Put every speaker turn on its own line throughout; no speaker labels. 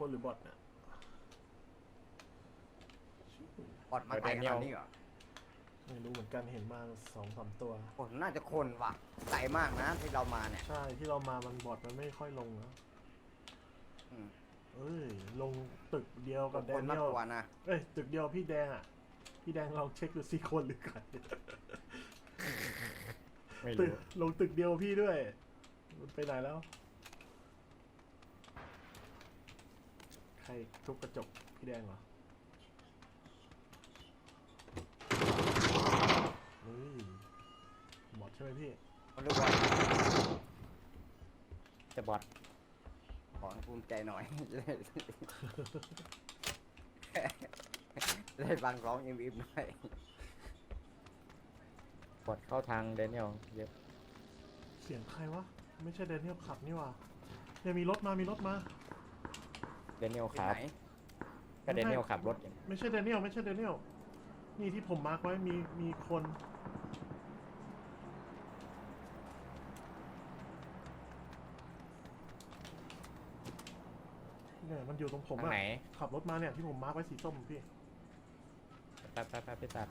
คนหรือบอทเนี่ย
บอดมาไกลขนาดนี้เหรอ
ไม่รู้เหมือนกันเห็นมา2-3 ตัว
โอ้น่าจะคนว่ะไกลมากนะที่เรามาเนี่ย
ใช่ที่เรามามันบอทมันไม่ค่อยลงนะเอ้ยลงตึกเดียวกับแด
คน
เนี
มาก
ยล
กว่านะ
เอ้ยตึกเดียวพี่แดงอ่ะพี่แดงลองเช็คดูสิคนหรือกัน
ไม่
ตึ
รู้
กลงตึกเดียวพี่ด้วยมันไปไหนแล้วใครทุบกระจกพี่แดงเหรอเฮ้ยบอทใช่ไหมพี่
คนรู้ว่า
จะบอด
ขอให้ภูมิใจหน่อย ได้ฟังร้องอิ่มๆหน่อย
บอดเข้าทางแดเนียลเยอะ
เสียงใครวะไม่ใช่แดเนียลขับนี่หว่าเนี่ยมีรถมา
แดเนียล
ที่
ขั
ไห
บ
น
ก็แดเนียลขับรถอย่าง
ไม่ใช่แดเนียลนี่ที่ผมมาร์กไว้มีคนเนี่ยมันอยู่ตรงผม
ทาง
อะ
ไหน
ขับรถมาเนี่ยที่ผมมาร์กไว้สีส้มพี่
ไปไปตัด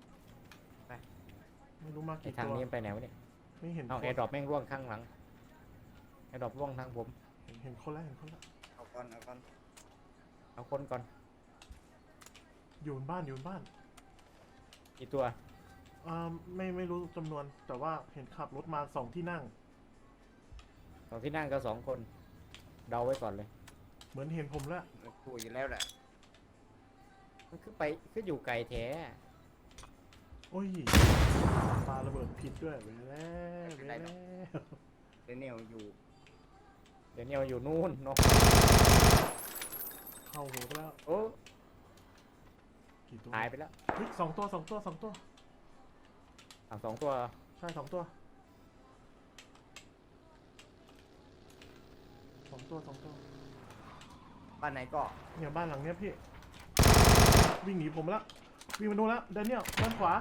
ไม่รู้มา
ไอ
กี่
ทาง
ตัว
นี้มันไปไหนวะเนี่ย
ไม่เห็น
เอา
คน
แอร์ดรอปแม่งร่วงข้างหลังแอร์ดรอปร่วงทางผม
เห็นคนแล้ว
เอาก่อน
เอาคนก่อน
อยู่บนบ้าน
อีกตัว
ไม่รู้จำนวนแต่ว่าเห็นขับรถมา2 ที่นั่ง
ตอนที่นั่งก็2 คนเดาไว้ก่อนเลย
เหมือนเห็นผมแล้ว
คุยอยู่แล้วแหละ
มันคืออยู่ไกลแท้
โอ้ยปาระเบิดผิดด้วยไปแล้ว
เดนเนลอยู่
แดเนียลอยู่นู่นเนาะ
เข้าหัวไปแล้ว
โอ้
กี่ตัว
หายไปแล้ว
เฮ้ย2 ตัว
2 ตัว
ใช่2 ตัว2 ตัว
บ้านไหนก็
เนี่ยบ้านหลังเนี้ยพี่วิ่งหนีผมแล้ววิ่งมาโน่นแล้วแดเนียลด้านขวา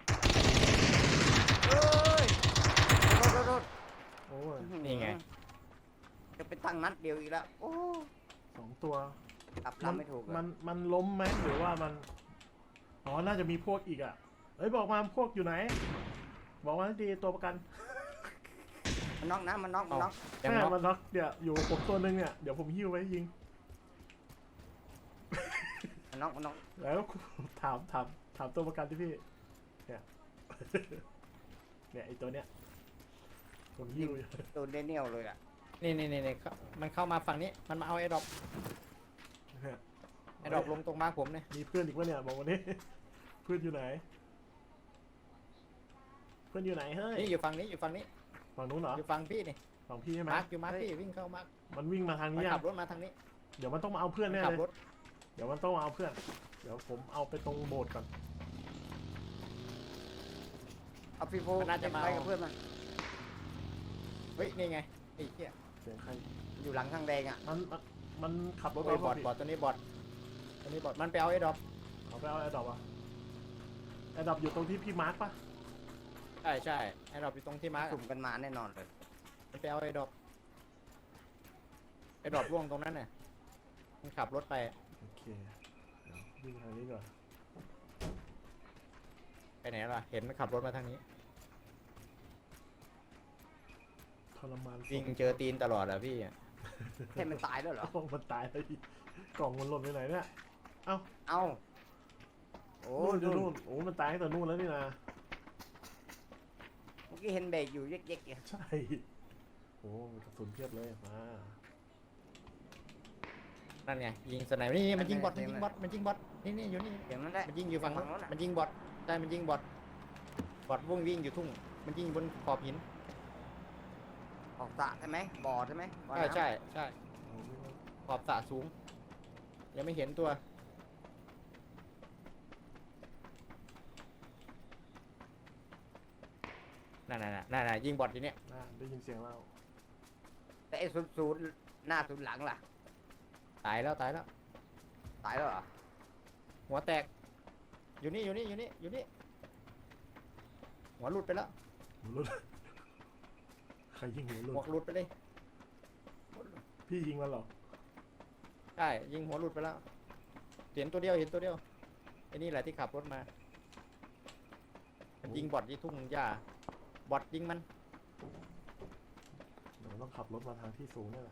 เอ้ยรถ
โอ้ย
นี่ไง
จะไปตั้งนัดเดียวอีกแล้วโอ้
2 ตัว
ตับลำไม่ถูกเลย
มันล้มไหมหรือว่ามันอ๋อน่าจะมีพวกอีกอ่ะเอ้ยบอกมาพวกอยู่ไหนบอกมาให้ดีตัวประกัน
มันน็อกนะมันน็อก
ยัง
แม่
น็อก
มันน็อกเดี๋ยวอยู่ผมตัวนึงเนี่ยเดี๋ยวผมหิ้วไว้ยิง
มันน็อก
แล้วถามตัวประกันที่พี่เนี่ย เนี่ยไอตัวเนี้ยผมหิ้วอยู่
โดนเดนเนลเลยอ่ะ
นี่มันเข้ามาฝั่งนี้มันมาเอาแอร์ดรอป
เนี่ย
แอร์ดรอปลงตรงมาผมเนี่ย
มีเพื่อนอีกวะเนี่ยบอกวันนี้ เพื่อนอยู่ไหน เพื่อนอยู่ไหนเฮ้ย
นี่อยู่ฝั่งนี้
ฝั่งนู้นเหรอ
อยู่ฝั่งพี่นี่
ฝั่งพี่ใช่ไหม
มาร์คอยู่มาร์คพี่วิ่งเข้ามาร์ค
มันวิ่งมาทาง
มัน
นี้ยั
ขั
ง
บรถมาทางนี้
เดี๋ยวมันต้องมาเอาเพื่อนแน่
ขับ
เลย
รถ
เดี๋ยวมันต้องมาเอาเพื่อน เดี๋ยวผมเอาไปตรงโบสถ์ก่อน
เอาฟีโฟ
มันน่าจะมา
ไปกับเพื่อนมัน
เฮ้ยนี่ไงไอ้เหี้ย
เสียงใคร
อยู่หลังทางแดงอ่ะ
มันขับรถ
โอ้ยบอด
พี่
ตัวนี้บอดมันไปเอาแอร์ดรอป
เอาไปเอาแอร์ดรอปอ่ะแอร์ดรอปอยู่ตรงที่พี่มาร์คปะ
ใช่แอร์ดรอปอยู่ตรงที่มาร์ค
สุ่มกันมาแน่นอนเลย
มันไปเอาแอร์ดรอปร่วงตรงนั้นน่ะมันขับรถไป
โอเคเดี๋ยววิ่งทางนี้ก่อน
ไปไหนล่ะเห็นมันขับรถมาทางนี้
ทรมาน
วิ่งเจอตีนตลอดอะพี่อะ
แค่มันตายแล้วเหรอ
โอ้มันตายเลยกล่องมันหล่นไปไหนเนี่ย
เอ้าโอ้
นู่นอยู่
นู่
นู่
น
นโอ้มันตายตั้งแต่นู่นแล้วนี่นะ
เมื่อกี้เห็นเบรกอยู่เย็กๆเนี่ย
ใช่โอ้มันกระสุนเพียบเลยมา
นั่นไงยิงสไนเปอร์นี่มันยิงบอทนี่อยู่นี่
อย่างนั้นแหละ
มันยิงอยู่ฝั่ง
ฝั่งโน้นอะ
มันยิงบอทใช่มันยิงบอทวิ่งอยู่ทุ่งมันยิงบนขอบหิน
ออกสระใช่ไหมบ่อใช่ไหมบ่อน้ำ
ใช่ขอบสระสูงยังไม่เห็นตัวนั่นยิงบอทอยู่เนี่ย
ได้ยินเสียงเรา
แต่ไอ้ศูนย์หน้าศูนย์หลังล่ะ
ตายแล้ว
ตายแล้วเหรอ
หัวแตกอยู่นี่หัวหลุดไปแล้ว
หัวรุดใครยิงหัวรุด
หัวหลุดไปเลย
พี่ยิงมันเหรอ
ใช่ยิงหัวหลุดไปแล้วเห็นตัวเดียวไอ้นี่แหละที่ขับรถมามันยิงบอทที่ทุ่งหญ้าบอทยิงมัน
เดี๋ยวต้องขับรถมาทางที่สูงนี่แหละ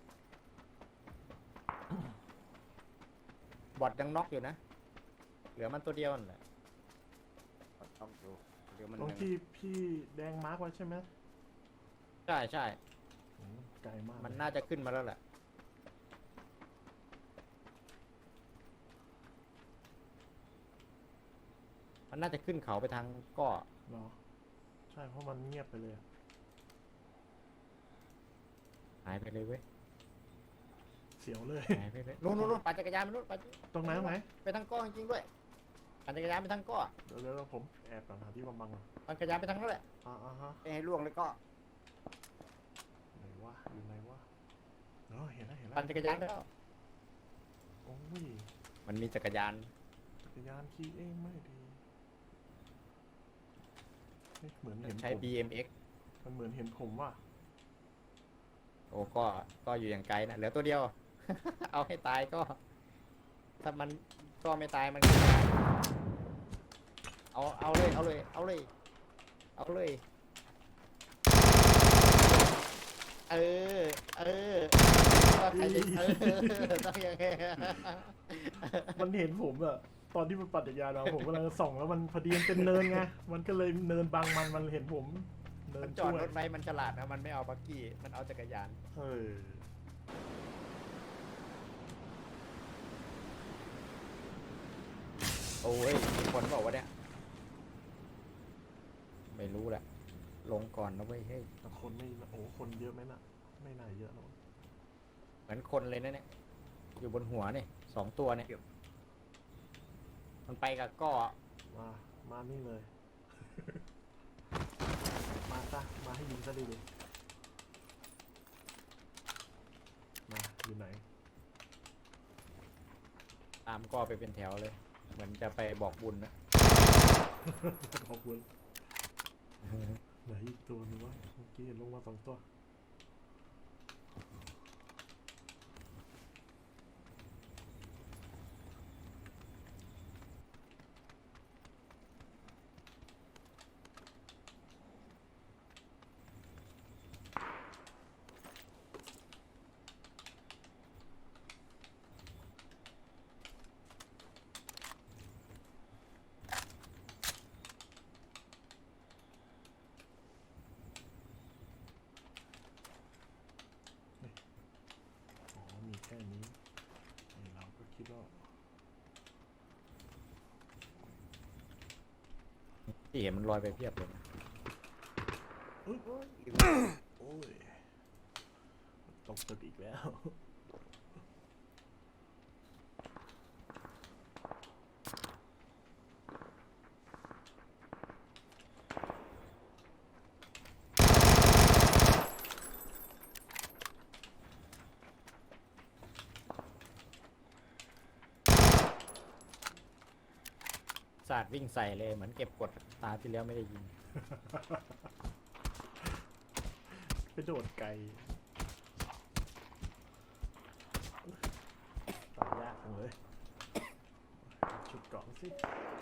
บอทยังน็อกอยู่นะเหลือมันตัวเดียวนั่นแหละ
ต้องดูเดี๋ยวมัน
ตรงที่พี่แดงมาร์กไว้ใช่ไหม
ใช่
อืมไกลมาก
มันน่าจะขึ้นมาแล้วแหละมันน่าจะขึ้นเขาไปทางก้อ
เนาะใช่เพราะมันเงียบไปเลยอะ
หายไปเลยเว้ย
เสียวเลย
หายไปเลยนู่นปั่นจักรยานไปนู่นปั่น
ตรงไหนตรงไหน
ไปทางก้อจริงๆด้วยปั่นจักรยานไปทางก้อ
เดี๋ยวผมแอบก่อนหาที่บังๆก่อน
ปั่นจักรยานไปทางนั้นแหละ
ฮะ
ไม่ให้ล่วงเลยก็
ไหนวะอยู่ไหนวะเนาะเห็นแล้ว
ปั่นจักรยานแล้ว
โอ้ย
มันมีจักรยาน
จักรยานขี่เองไม่ดีเฮ้ยเหมือนเห็น
ใช้
ผม
BMX
มันเหมือนเห็นผมว่ะ
โอ้ก็อยู่อย่างไกลนะเหลือตัวเดียว เอาให้ตายก็ ถ้ามันก็ไม่ตายมันก็ตายเอาเลยเออว่าใครจะต้องยังไง
มันเห็นผมอะตอนที่มันปั่นจักรยานมาผมกำลังส่องแล้วมันพอดีมันเป็นเนินไงมันก็เลยเนินบังมันเห็นผมเนิ
มัน นจ
ช่
อ
ว
ด
ย
รถไว้มันฉลาดนะมันไม่เอาบักกี้มันเอาจักรยาน
เออ
โอ้ยมีคนบอกว่าเนี่ยไม่รู้แหละลงก่อนนะเว้ยเฮ้ย
แต่คนไม่โอ้คนเยอะไหมน่ะไม่น่าเยอะหรอก
เหมือนคนเลยนะเนี่ยอยู่บนหัวเนี่ย2 ตัวเนี่ยมันไปกับก้อ
มานี่เลย มาซะมาให้ยิงซะดีเลยมาอยู่ไหน
ตามก้อไปเป็นแถวเลย เหมือนจะไปบอกบุญนะ
ขอบคุณไหนอีกตัวนึงวะเมื่อกี้เห็นลงมา2 ตัวอ๋อมีแค่นี้ไอ้เราก็คิดว่า
ที่เห็นมันลอยไปเพียบเลยนะ
โอ้ยตกตึกอีกแล้ว
ศาสตร์วิ่งใส่เลยเหมือนเก็บกดตาที่แล้วไม่ได้ยิง
ไปโดดไกลตายยากจังเลยชุดเกราะสิ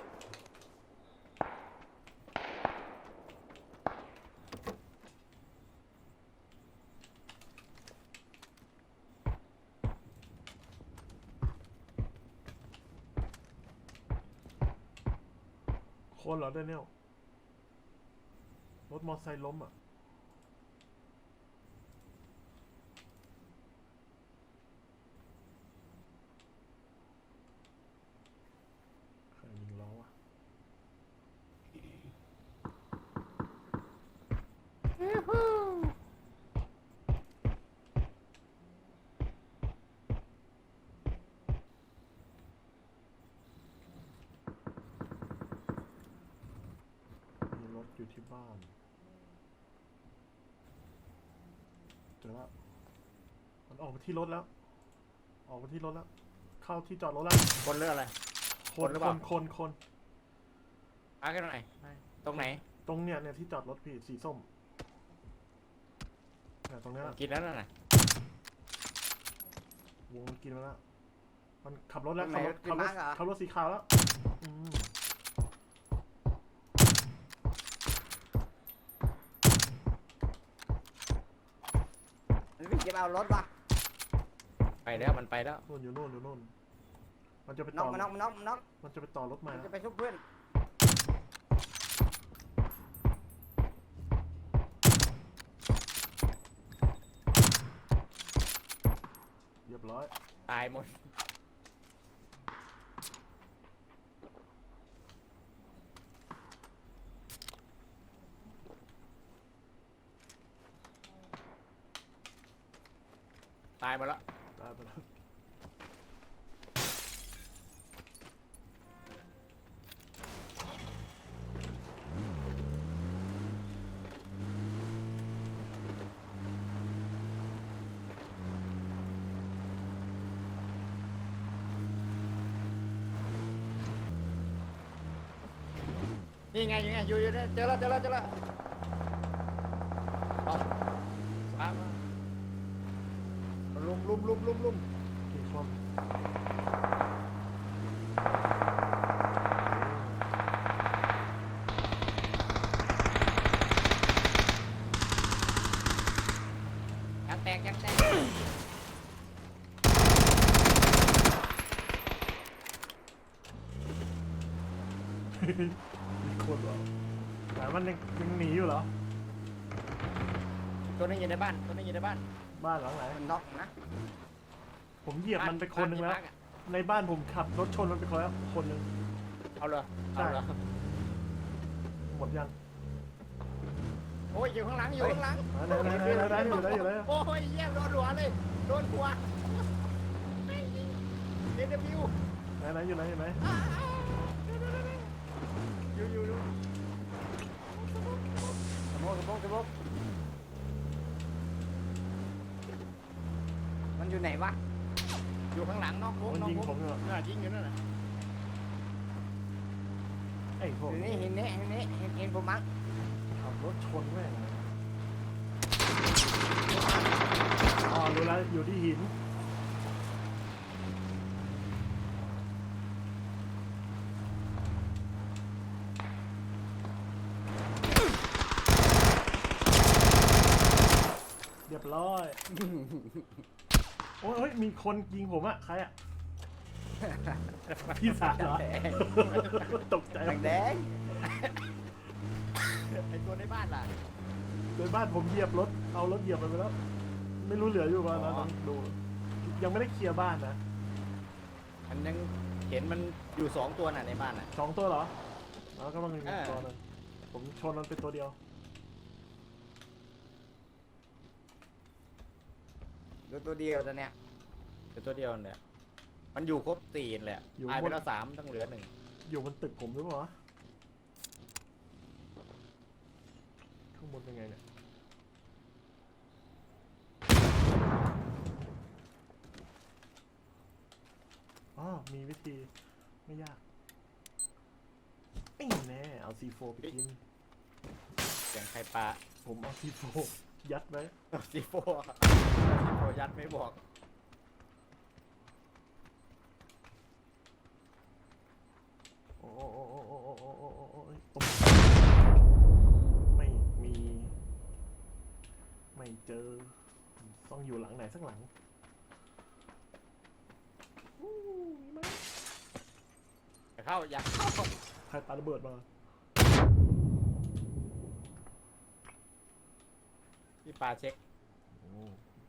คนเหรอเดนเนียลรถมอเตอร์ไซค์ล้มอ่ะใครยิงล้อวะมีรถอยู่ที่บ้านเจอแล้วมันออกไปที่รถแล้ว ออกไปที่รถแล้ว เข้าที่จอดรถแล้ว
คนเรื่องอะไร คนหรือเปล่า
คน
มากันหน่อยตรงไหน
ตรงเนี่ยที่จอดรถพี่สีส้มเนี่ยตรงเนี้ย
กินแล้วน่ะ
วงมันกินมาแล้ว มันขับรถแล้ว
ตรงไหน
ขับรถ
เป็นม้าเหรอ
ขับรถสีขาวแล้วอืม
มันวิ่งจะมาเอารถวะ
ไปแล้วมันไปแล้ว
นู่นอยู่นู่นอยู่นู่น มันจะไป
น็
ต่
อก
อ
มันน็อกมันน็อกมันน็อก
มันจะไปต่อรถมา
มันจะไปชุบเพื่อน
เรียบร้อย
ตายหมดตายหมดแล้ว
ได้ไปแล้ว
นี่ไงยังไงอยู่เนี่ยเจอแล้วเอาตามมาลุม
กี่คน
ยังแตก
มีคนเหรอแต่มันยังหนีอยู่เหรอ
ตัวนึงอยู่ในบ้าน
บ้านหลังไหน
มันน็อกนะ
ผมเหยียบมันไปคนหนึ่งแล้ว
บ้าที่พักอะ
ในบ้านผมขับรถชนมันไปคนแล้วคนหนึ่ง
เอาเลย
ใช่ หมดยัง
โอ้ยอยู่ข้างหลัง
ไหนอยู่ไหน
โอ้ยเยี่ยมโดนหัวเลยโดนหัวเดนวิว
ไหนอยู่ไหน
อยู่
สมองมันอยู่ไหนวะ
อยู่ข้างหลังนอกวง
มันยิงผมอยู่
ยิงอยู่นั่นน่ะ
ไอ้พวก
อยู่นี่เห็นผมมั้ง
ขับรถชนแม่งอ๋อรู้แล้วอยู่ที่หินเรียบร้อย โอ้ยเฮ้ยมีคนยิงผมอะใครอะพี่สาวเหรอ ตกใจ
แดง
ไอตัวในบ้านล่ะ
โดยบ้านผมเหยียบรถ เอารถเหยียบมันไปแล้ว ไม่รู้เหลืออยู่ป่ะนะต้องดู ยังไม่ได้เคลียร์บ้านนะ
มันยังเห็นมันอยู่2 ตัวน่ะในบ้านน่ะ
2 ตัวเหรอแล้วก็มันมี
เออ
ตัวหนึงผมชนมันเป็นตัวเดียว
ดูตัวเดียวตัวเนี้ย
เป็นตัวเดียวเนี่ยมันอยู่ครบ4แหละตายไปแล้ว3ต้องเหลือ1
อยู่บนตึกผมหรือเปล่าวะข้างบนเป็นไงเนี่ย อ๋อ มีวิธีไม่ยากแน่เอา C4 ไปกิน
เสียงใครปลา
ผมเอา C4 ยัดไว้
ซีโฟยัดไม่บอก
โอ้ตรงไม่มี ไม่เจอ ต้องอยู่หลังไหนสักหลังอู้มีไหม
อย่าเข้า
ใครปาระเบิดมา
พี่ปลาเช็ค
โอ้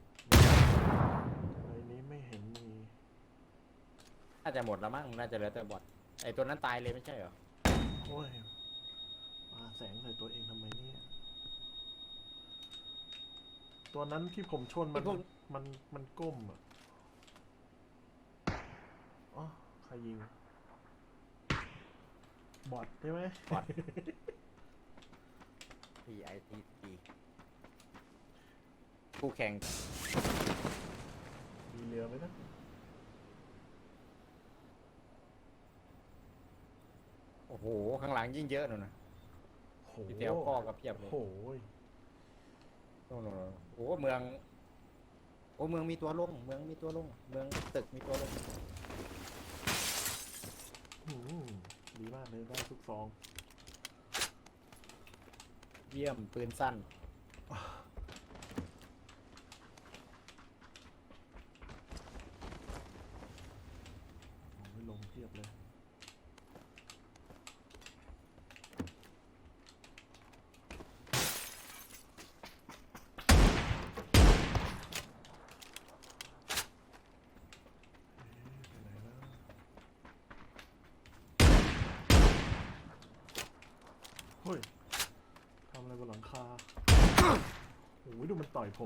ในนี้ไม่เห็นมี
น่าจะหมดแล้วมั้งน่าจะเหลือแต่บอทไอตัวนั้นตายเลยไม่ใช่เหรอ
โอ้ยปาแสงใส่ตัวเองทำไมเนี่ย ตัวนั้นที่ผมชนมันก้มอ่ะอ๋อใครยิง บอทใช่ไหม
บอท PITT คู่แข่ง
มีเรือไหมนะ
โอ้โหข้างหลังยิ่งเยอะหน่อยนะ
โห
พี่เตียวพ่อกับเพียบเลย
โหย
โอ้โหเมืองโอ้เมืองมีตัวลงเมืองมีตัวลงเมืองตึกมีตัวลง
อืมดีมากเลยได้ทุกซอง
เยี่ยมปืนสั้น
โอ้ยลงเทียบเลย ไปไหนแล้วเฮ้ย ทำอะไรบนหลังคา โอ้ยดูมันต่อยผม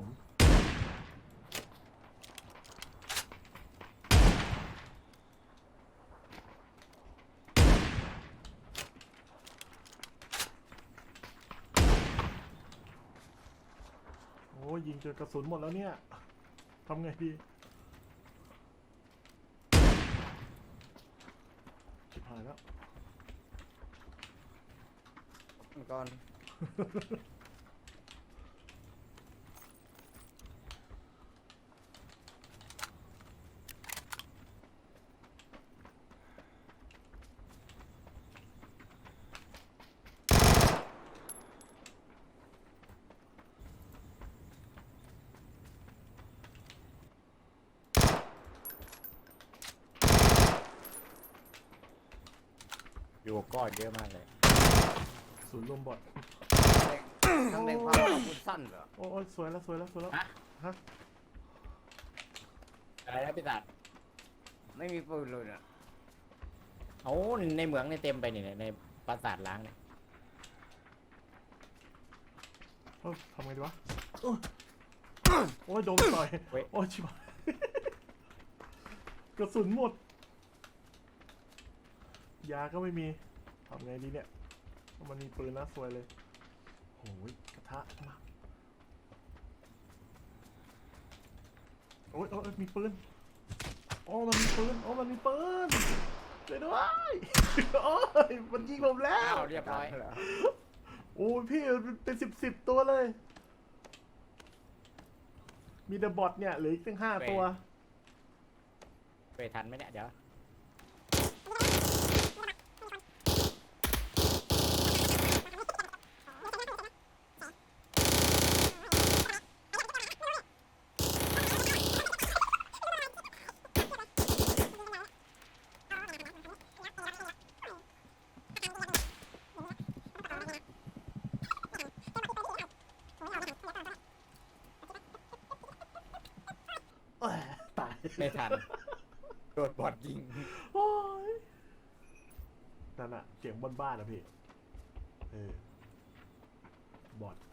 โอ้ยยิงจนกระสุนหมดแล้วเนี่ย ทำไงดี ชิบหายแล้ว
ก่อน
อยู่ก้อนเยอะมากเลย
ศูนย์รวมบอท
ทั้งในความอาวุธสั้นเหรอ
โอ้ยสวยแล้วสวยแล้วสวยแล้ว
ฮะ
ฮะ
อะไรนะพี่ตัด
ไม่มีปืนเลยน่ะ
โอ้ในเมืองในเต็มไปเนี่ยในปราสาทล้างเนี่ย
ทำไงดีวะโอ้ยโดนต่อย โอ้ยชิบหาย กระสุนหมด ยาก็ไม่มี ทำไงดีเนี่ยเพราะมันมีปืนนะสวยเลยโอ้ยกระทะมาโอ้ยโอ้ยมีปืน โอ้มันมีปืน โอ้มันมีปืนช่วยด้วย โอ้ยมันยิงผมแล้
อ้าว วเรียบร้อย
โอ้ยพี่มันเป็นสิบตัวเลย มีเดอะบอทเนี่ยเหลืออีกตั้ง5 ตัว
ไปทันไหมเนี่ยเดี๋ยว
เอ้ยตาย
ไม่ทันโดนบอดยิง
โอ้ยนั่นอะเสียงบนบ้านอะพี่ บอท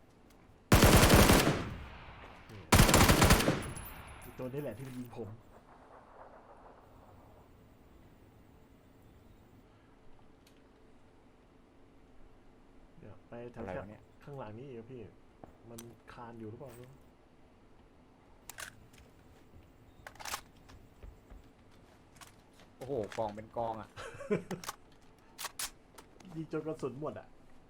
นี่อีกตัวนี้แหละที่มันยิงผม เดี๋ยวไปแถ
อะไร
ว
วะเนี่ย
ๆข้างหลังนี้อีกอะพี่ มันคานอยู่หรือเปล่าไม่รู้
โอ้โหกองเป็นกองอ่ะ
ยิงจนกระสุนหมดอะ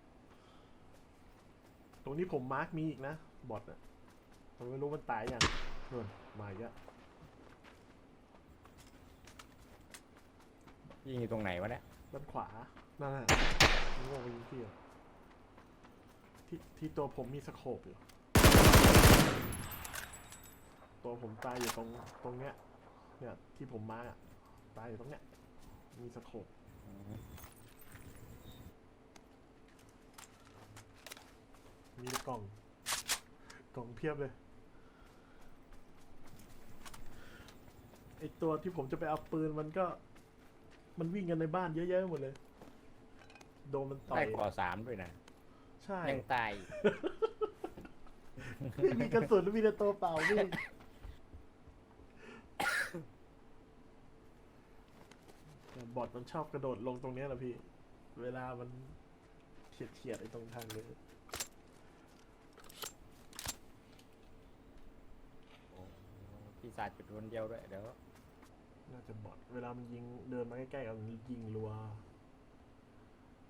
ตรงนี้ผมมาร์กมีอีกนะ บอทอะผมไม่รู้มันตายยังนู่นมาอีกแล้ว
ยิงอยู่ตรงไหนวะเนี่ย
ด้านขวา นั่นแหละนี่ว่าไปยิงพี่อะที่ตัวผมมีสโคปอยู่ ตัวผมตายอยู่ตรงเนี้ย เนี่ยที่ผมมาร์กอะตายอยู่ตรงเนี้ย มีสโคป มีแต่กล่องเพียบเลย ไอตัวที่ผมจะไปเอาปืนมันวิ่งกันในบ้านเยอะแยะหมดเลย โดนมันต่อ
ได้
ย
ก่อ3ด้วยนะ
ใช่
ยังตาย
ไม่มีกระสุนมีแต่ตัวเปล่าวิ่งแต่บอทมันชอบกระโดดลงตรงเนี้ยแหละพี่ เวลามันเฉียดไอ้ตรงทางเลย
พี่สาดจุดคนเดียวด้วยเดี๋ยว
น่าจะบอทเวลามันยิงเดินมาใกล้ๆกันมันยิงรัว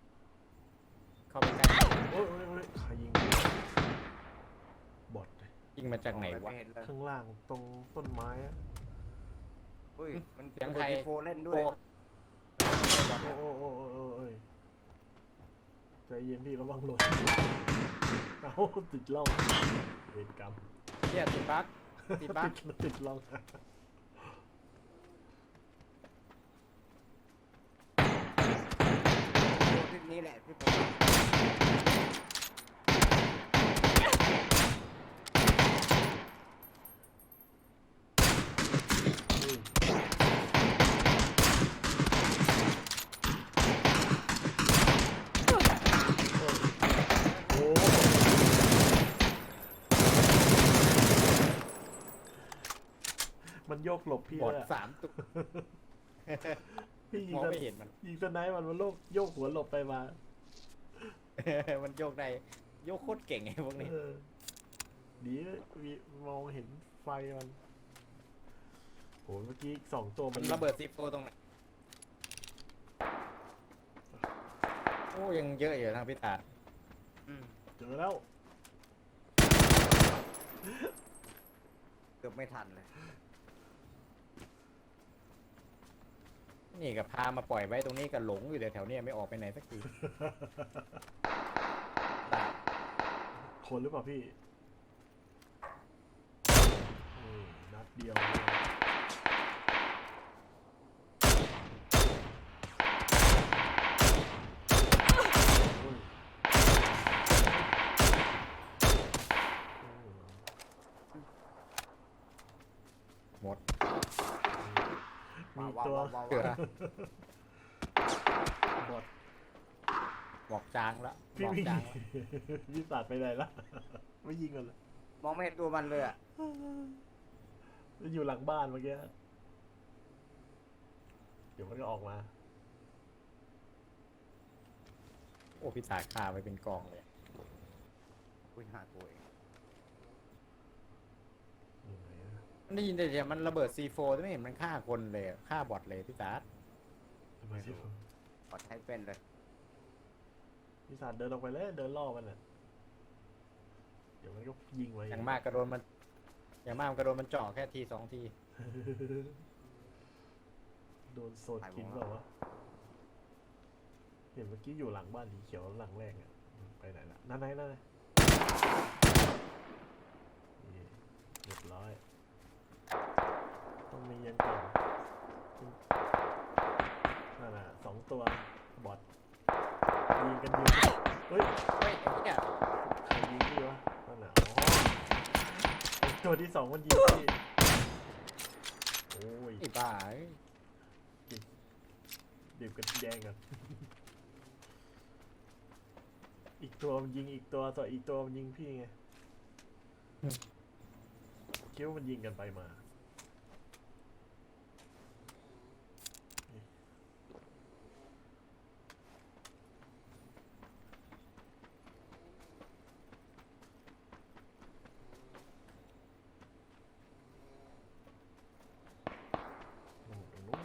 เข้าไปใกล้
โอ้ยใครยิงบอทเลย
ยิงมาจากไหนวะ
ไม่เห็นเลย
ข้างล่างตรงต้นไม้อะ
อุ้ยมัน
เสียงใคร
โฟเล่นด้วย
โอ้โอ้ยใจเย็นพี่ระวังหล่นเอาติดล่องเวรกรรม
เฮียติดบั๊กติดบั๊ก
ติดล่อง
คลิปนี้แหละที่ผม
โอ้มันโยกหลบพี่
บอด
เลยอะ
3 ตัว
พี่ยิ
ม
ง
อง
ส
ไม่เห็นมัน
ยิงสไนป์มันโลกโยกหัวหลบไปมา
มันโยกได้โยกโคตรเก่งไอ้พวกนี้
เออดีมีมองเห็นไฟมันโหเมื่อกี้2 ตัว
มันระเบิดซีโฟตรงไหนโอ้ยังเยอะอยู่ทางพิตา
อืม
เจอแล้ว
เกือบไม่ทันเลย
นี่ก็พามาปล่อยไว้ตรงนี้ก็หลงอยู่แถวๆเนี้ไม่ออกไปไหนสักที
คนหรือเปล่าพี่นัดเดียวโอ้ย
หมด
มีตัว
ว้าว
เกือบ
บอด
บอกจางแล้ว
พี่
บอก
วิ่ง
จางแล้ว
พี่สาดไปไหนละไม่ยิงกันเลย
มองไม่เห็นตัวมันเลยอ่ะ
มันอยู่หลังบ้านเมื่อกี้เดี๋ยวมันก็ออกมา
โอ้พิตาคาไปเป็นกองเลย
อุ้ยหาตัวเอง
อยู่ไหนอะ
มันได้ยินแต่เสียงมันระเบิด C4 แต่ไม่เห็นมันฆ่าคนเลยฆ่าบอทเลยพี่ตา
ทำไมที่ผม
ปลอดใช้เป็นเลย
พี่สาดเดินออกไปเลยเดินล่อมันอ่ะเดี๋ยวมันก็ยิงไว้
อย่างมากก็โดนมันอย่างมากมันก็โดนมันเจาะแค่ที2 ที
โดนโซนกินเปล่าวะเห็นเมื่อกี้อยู่หลังบ้านสีเขียวหลังแรกอ่ะไปไหนละนั่นไงนี่เรียบร้อยต้องมียันก่อนนั่นแหละ2 ตัวบอทยิงกันอยู่เฮ้ย
เฮ้ยไอ้เนี่ย
ใครยิงพี่วะนั่นน่ะอ๋อไอ้ตัวที่ 2มันยิงพี่โอ้ย
ไอ้บ้าเอ้ย
ดื่มกันแดงกัน อีกตัวมันยิงอีกตัวอีกตัวมันยิงพี่ไงคิดว่ามันยิงกันไปมาโอ้โหตรงนู้น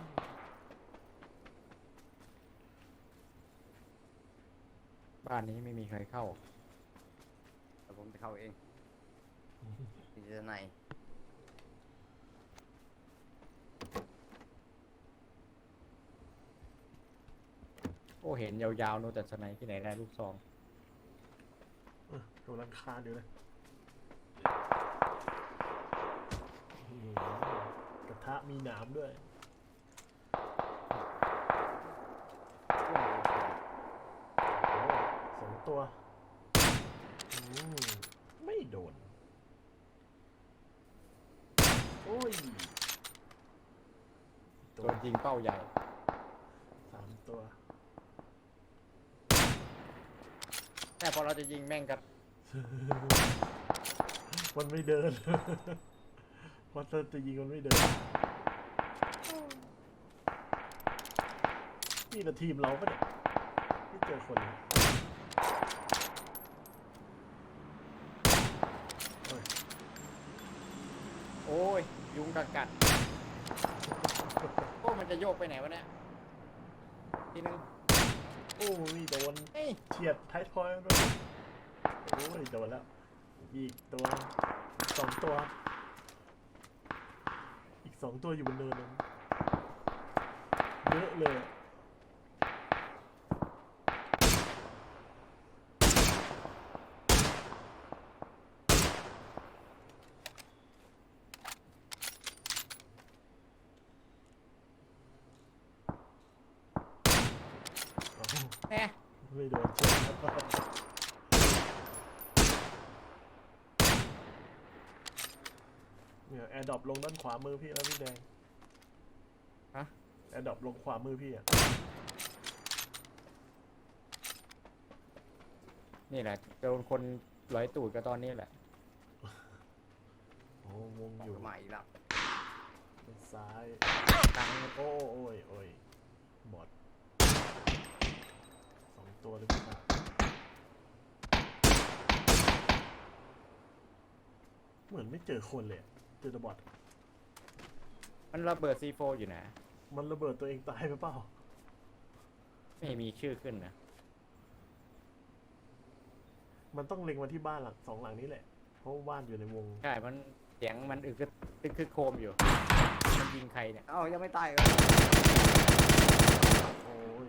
บ้านนี้ไม่มีใครเข้า
แต่ผมจะเข้าเองที่จะไหน
โอ้เห็นยาวๆนู่นแต่สไนที่ไหนได้ลูกซอง
กำลังคานอยู่เลยกระทะมีหนามด้วย โอ้2 ตัวไม่โดน โอ้ย
โดนยิงเป้าใหญ่
3 ตัว
แต่พอเราจะยิงแม่งกับ
มันไม่เดิน พอจะยิงมันไม่เดิน นี่นะทีมเราปะเนี่ยไม่เจอคนเลยเฮ้ย
โอ้ยยุงกัดโอ้มันจะโยกไปไหนวะเนี่ยทีนึง
โอ้ยโดน
เฮ้ย
เฉียดท้ายทอยมันโอ้ยโดนแล้ว อีกตัว 2 ตัว อีก 2 ตัวอยู่บนเนินนั้นเยอะเลย
แอะ
ไม่โดนเช็คเนี่ยแอร์ดรอปลงด้านขวามือพี่แล้วพี่แดง
ฮะ
แอร์ดรอปลงขวามือพี่อ่ะ
นี่แหละโดนคนร้อยตูดก็ตอนนี้แหละ
โอ้วงอยู่
ใหม่ละ
ด้านซ้าย
ตังค์
โอ้โอ้ยโอ้ยบอด2 ตัวเลยพี่ครับเหมือนไม่เจอคนเลยอะเจอแต่บอด
มันระเบิด C4 อยู่นะ
มันระเบิดตัวเองตายไปเปล่า
ไม่มีชื่อขึ้นนะ
มันต้องเล็งมาที่บ้านหลัง2 หลังนี้แหละ เพราะว่าบ้านอยู่ในวง
ใช่ มันเสียงมันอึกตึกคือโครมอยู่ มันยิงใครเนี่ย
เอ้ายังไม่ตายเหรอ
โอ้ย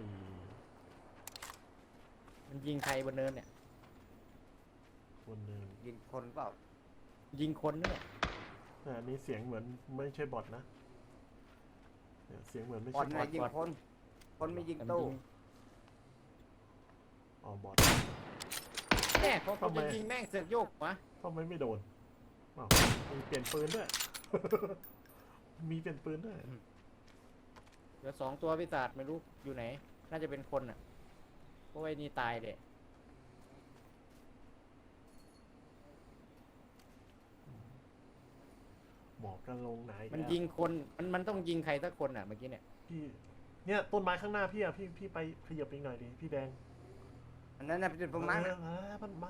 มันยิงใครบนเนินเนี่ย
คนเดิน
ยิงคนเปล่า
ยิงคนเนี่ย
แต่อันนี้เสียงเหมือนไม่ใช่บอทนะเนี่ยเสียงเหมือนไม่
บอ
ใช่
ล
บอ
นะ
ท
ยิงคน คนไม่ยิง
มัน
ตู้
ยิง
อ๋อบอท
แม่พอผม
ทำไม
จะยิงแม่งเสือกโยกวะ
ทำไมไม่โดนอ้าวมีเปลี่ยนปืนด้วย มีเปลี่ยนปืนด้วย
เหลือ2 ตัวพิศาจไม่รู้อยู่ไหน น่าจะเป็นคนอ่ะเพราะว่าไอ้นี่ตายเด็
บอกกันลงไหน
มันยิงคน มันต้องยิงใครสักคนอ่ะเมื่อกี้เนี่ย
พี่เนี่ยต้นไม้ข้างหน้าพี่อะพี่ไปขยับอีกหน่อยดิพี่แดง
อันนั้นน่ะเป็นจุดประมาณ
มันมัก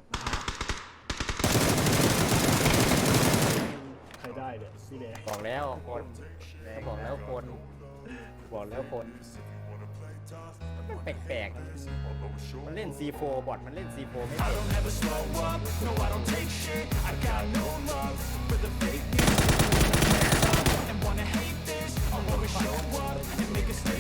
ใครได้เนี่ยพี่แดง
บอกแล้วคนบอกแล้วคน บอกแล้วคน มันแปลกๆ มันเล่น C4 บอทมันเล่น C4 ไม่เป็น
I don't ever slow up, no I don't take shit. I got no love for the fakeness. And wanna hate this, I'll always show up and make a statement.